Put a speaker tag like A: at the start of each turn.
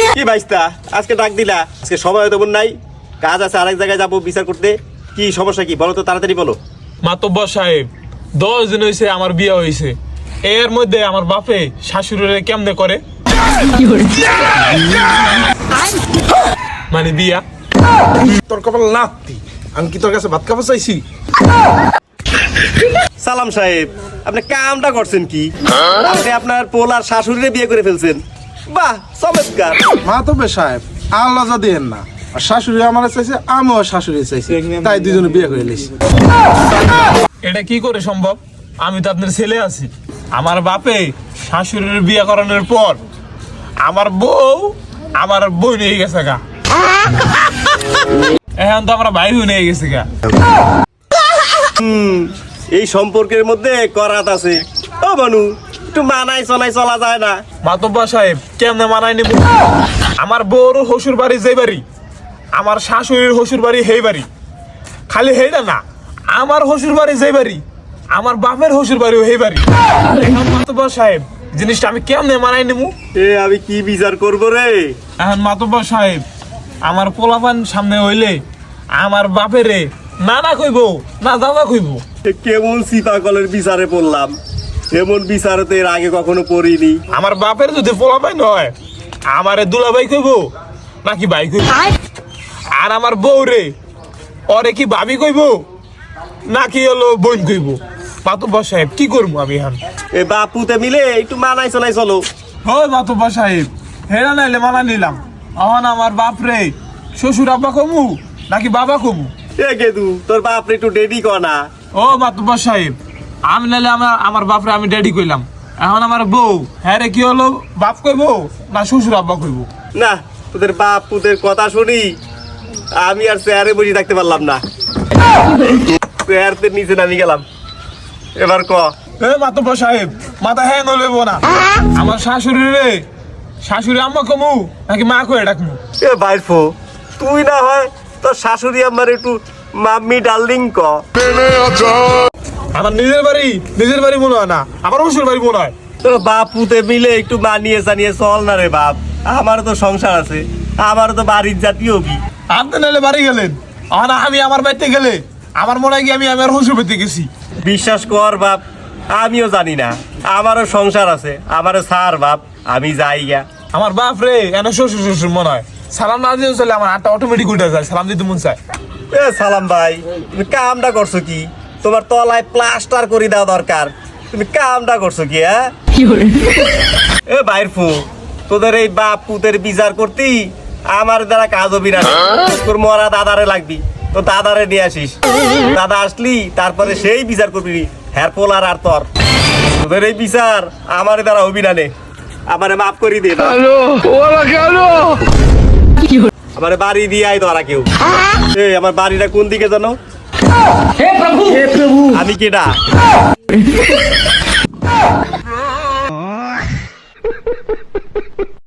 A: কি ভাইস্তা আজকে ডাক দিলা? আজকে সময় তেমন নাই, কাজ আছে, আরেক জায়গায় যাবো বিচার করতে। কি সমস্যা কি বলো তো, তাড়াতাড়ি বলো।
B: মাতব্বর সাহেব, 10 দিন হয়েছে আমার বিয়ে হয়েছে, এর মধ্যে আমার বাপে শাশুড়িরে কেমনে করে মানে বিয়া।
C: তোর কপাল নাতি, আমি কি তোর কাছে ভাত খাবো চাইছি?
A: সালাম সাহেব, আপনি কামটা করছেন কি? আপনি আপনার পোলার শাশুড়িরে বিয়ে করে ফেলছেন। বাহ, চমৎকার।
C: মা তো বে সাহেব, আল্লাহ যা দেন না, আর শাশুড়ি আমার চাইছে, আমিও শাশুড়ি চাইছি, তাই দুজনে বিয়ে করে লিস।
B: এটা কি করে সম্ভব? আমি তো আপনার ছেলে আছি। আমার বাপে শাশুড়ির বিয়ে করানোর পর আমার বউ নিয়ে গেছে গা, এখন তো আমরা ভাই নিয়ে গেছি গা।
A: এই সম্পর্কের মধ্যে করাত আছে। ও মানু, একটু মানাই চলাই চলা যায় না?
B: মাতব্বর সাহেব, কেমনে মানায় নিব? আমার বউর শ্বশুর বাড়ি যে বাড়ি, আমার শাশুড়ির শ্বশুর বাড়ি সেই বাড়ি। খালি সেইটা না, আমার শ্বশুর বাড়ি যে বাড়ি, আমার বাপের শ্বশুর বাড়িও সেই বাড়ি। এখন মাতব্বর সাহেব, জিনিসটা আমি কেমনে মানায় নিব?
A: আমি কি বিচার করবো রে?
B: এখন মাতব্বর সাহেব, আমার পোলাপান সামনে হইলে আমার বাপেরে নানা কইব না দাদা কইব।
A: কেমন সিপাকলের বিচারে পড়লাম, এমন বিচারে তো এর আগে কখনো পড়িনি।
B: আমার বাপের যদি পোলাপান হয়, আমারে দুলাভাই কইব নাকি ভাই কইব? আর আমার বউ রে, ওরে কি ভাবি কইব নাকি হলো বোন কইব? মাতব্বর সাহেব, কি করবো আমি এখন?
A: এ বাপুতে মিলে একটু মানাই চলাই চলো।
B: হয় মাতব্বর সাহেব, হেরা নাইলে মানা নিলাম। এখন আমার বাপ রে শ্বশুর আব্বা কমু নাকি বাবা কমু?
A: এ গেদু, তোর বাপরে একটু ডেডি কর না।
B: ও মাতব্বর সাহেব, আমি নাইলে আমার বাপরে আমি ড্যাডি কইলাম। এখন আমার বউ, হ্যাঁ রে, কি হলো, বাপ কইব না শ্বশুর আব্বা কইব?
A: না, তোদের বাপ পুতের কথা শুনি আমি আর চেয়ারে বসে থাকতে পারলাম না, চেয়ারতে নিচে নামি গেলাম। এবার ক।
B: এ মাতব্বর সাহেব, মাথা হ্যাং লইব না। আমার শাশুড়ি রে, শাশুড়ি আম্মা কমু নাকি মা কয়ে ডাকমু?
A: এ বাইরফো, তুই না হয় তোর শাশুড়ি আমার একটু মাম্মি ডার্লিং ক।
B: আমার নিজের বাড়ি মনে হয় না, আমার শ্বশুর বাড়ি মনে হয়।
A: তোর বাপ পুতে মিলে একটু মানিয়ে জানিয়ে চল না রে বাপ। আমারও তো সংসার আছে, আমারও তো বাড়ির জাতীয় কি।
B: আপনি নাহলে বাড়ি গেলেন, এখন আমি আমার বাড়িতে গেলে আমার মনে হয় কি আমি আমার শ্বশুর বাড়িতে গেছি।
A: বিশ্বাস কর বাপ, আমিও জানি না, আমারও সংসার আছে, আমারও সার বাপ, আমি যাই গা।
B: আমার বাপ রে এনে শ্বশুর মনে হয়। সালাম না দিয়ে চলে আমার হাতটা অটোমেটিক উঠে যায়, সালাম দিতে মন চায়।
A: এ সালাম ভাই, তুমি কামটা করছো কি? তোমার তলায় প্লাস্টার করে দেওয়া দরকার, তুমি কামটা করছো কি? হ্যাঁ এ বাইরফু, তোদের এই বাপ পুতের বিচার করতি আমার দ্বারা কাজ হবি না। তোর মরা দাদারে লাগবি, তো দাদারে নিয়ে আসিস, দাদা আসলি তারপরে সেই বিচার করবি। হ্যার পোলার আর তোর, তোদের এই বিচার আমার দ্বারা হবি না। নে আমারে মাফ করি দে না। আমার বাড়ি দিয়ে আয় তোরা কেউ। এই আমার বাড়িটা কোন দিকে জানো? আমি কেডা?